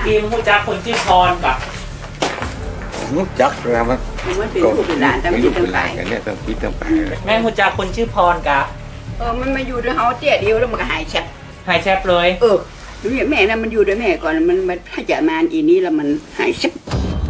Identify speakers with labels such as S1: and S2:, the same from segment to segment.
S1: ทีมผู้จักคนชื่อพรกับ
S2: รู้จักแล้วมัน
S3: มันเป็นลูกเป็นหลานแต่ไม่
S2: ลูก
S3: ตั้
S2: เป็
S3: ง
S2: นห
S3: ใจ
S2: ลานกันเนี่ยต้องคิดต้องไป
S1: แม่ผู้จักคนชื่อพรกับ
S3: มันมาอยู่ด้วยเฮาเตี้ยเดียวแล้วมันก็หายแชบ
S1: หายแชบเลย
S3: ดูอย่างแม่นะมันอยู่ด้วยแม่ก่อนมันถ้าจะมาอีนี้แล้วมันหายแชบ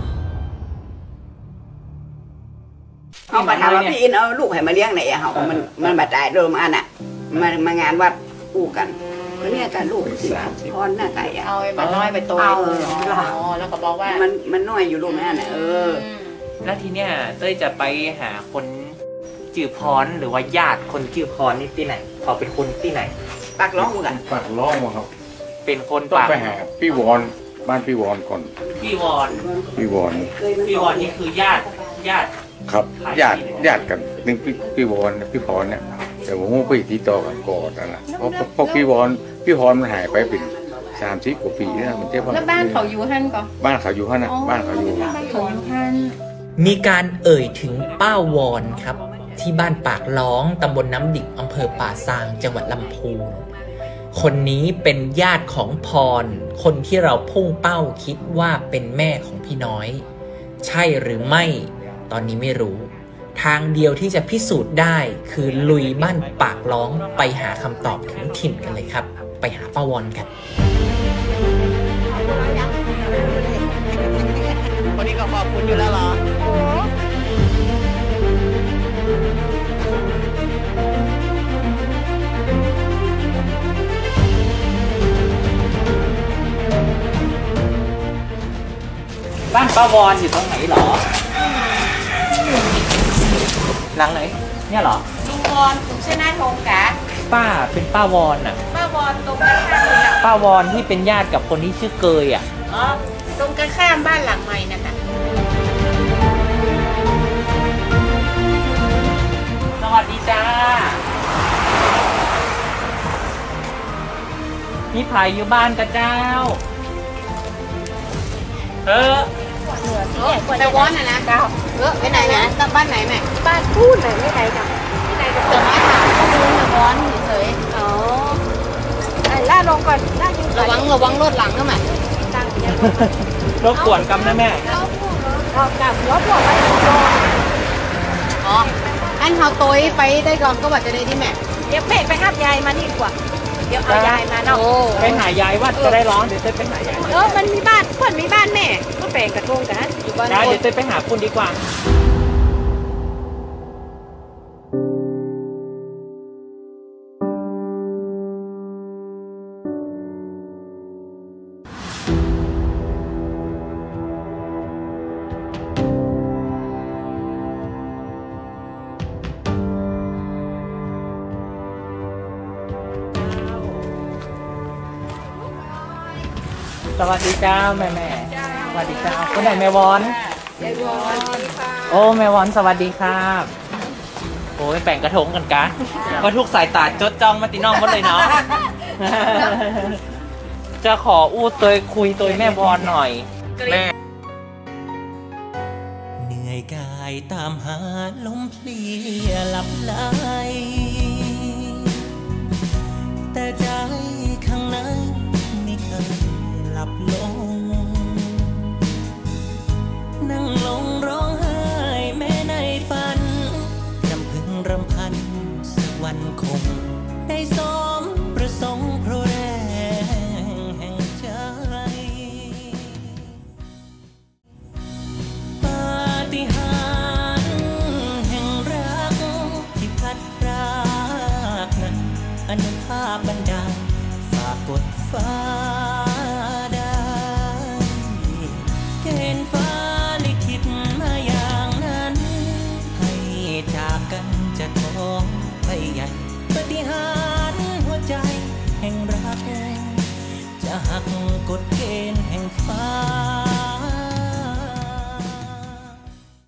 S3: เขามาถามว่าพี่อินเอาลูกให้มาเลี้ยงไหนอะเขามันบาดใจเริ่มอันน่ะมางานวัดอู้กันก็เนี่ยการลูกสิพรหน้าไก่อะ
S4: เอาไอ้มันน้อยไปตัว
S3: เอา
S4: แล้วก็บอกว่า
S3: มันน้อยอยู่ลูกนั่นน่ะ
S1: แล้วทีเนี้ยเต้ยจะไปหาคนจื่อพรหรือว่าญาติคนจื่อพรนี่ที่ไหนเขาเป็นคนที่ไหน
S3: ปากร้องกูกัน
S2: ปากร้องมาครับ
S1: เป็นคน
S2: ต้อง
S1: ปาก
S2: ไปหาพี่วอนบ้านพี่วอนก่อน
S1: พี่วอน
S2: พี่วอน
S1: พี่วอนนี่คือญาติ
S2: ครับญาติกันนึงพี่วอนพี่พรเนี่ยแต่ผมไปติดต่อกันก่อนนั่นแหละเพราะพี่พรมันหายไปเป็น30 กว่าปีแล้วมันเจ๊บ้าน
S4: แล้วบ้านเขาอยู่ฮั่นก่อน
S2: บ้านเขาอยู่ฮะนะบ้านเขาอยู่
S4: บ้านเขาอยู่ฮั่น
S1: มีการเอ่ยถึงป้าวอนครับ ที่บ้านปากล้องตำบลน้ำดิบอำเภอป่าซางจังหวัดลำพูนคนนี้เป็นญาติของพรคนที่เราพุ่งเป้าคิดว่าเป็นแม่ของพี่น้อย ใช่หรือไม่ตอนนี้ไม่รู้ ทางเดียวที่จะพิสูจน์ได้คือลุยบ้านปากล้องไปหาคำตอบถึงถิ่นกันเลยครับ ไปหาป้าวอนกันวันนี้ก็ขอบคุณอยู่แล้วเหรอบ้านป้าวอนอยู่ตรงไหนหรอหลังไหนเนี่ยเหรอ
S4: ลุงวอนคุณชนะทงกะ
S1: ป้าเป็นป้าวอนอ่ะ
S4: ป้าวอนตรงกันข้ามเลยอ่ะ
S1: ป้าวอนที่เป็นญาติกับคนที่ชื่อเกยอ่ะ
S4: อ๋อตรงกันข้ามบ้านหลังใหม่นะคะ
S1: สวัสดีจ้ามีไผ่อยู่บ้านกับเจ้า
S4: ไปวอนน่ะนะไปไหนนะกลับบ้านไหนแม่บ้านพูดไหนไม่ไหนจ้ะที่ไหนจะเกิดมาถามข้อมูลนะวอนเฉยๆอ๋อล่าลงก่อนล่ายิงระวังรถหลังนะแม่ตั้งยัง
S1: รบกวนกำนะแม่
S4: เรากับหัวพวกไปอ๋ออันเขาโต้ยไปได้ก่อนก็ว่าจะได้ที่แม่เดี๋ยวไปห้ามยายมานี่ดีกว่าเดี๋ยวเอายายมาเนาะ
S1: ไปหายายว่าจะได้ร้อนเดี๋ยวเต้ยไปหายาย
S4: มันมีบ้านเพื่อนมีบ้านแม่ก็แปลงกระทงกันอยู่บ้าน
S1: ได้เดี๋ยวเต้ยไปหาคุณดีกว่าสวัสดีเจ้าแม่สวัสดีเจ้าคนไหนแม่วอนโอ้แม่วอนสวัสดีครับโอ้ยแป่งกระทงกันกะก็ทุกสายตาจดจ้องมาติน้องหมดเลยเนาะ จะขออู้ตัวคุยตัวแม่วอนหน่อยแม่เหนื่อยกายตามหาลมเพลียหลับไหลแต่ใจข้างในไม่เคยหลับลงนั่งลงร้องไห้แม้ในฝันรำพึงรำพันสักวันคงได้สมประสงค์เพราะแรงแห่งใจปาฏิหาริย์แห่งรักที่พัดพรากนั้นอนุภาพบันดาลฝากกดฟ้า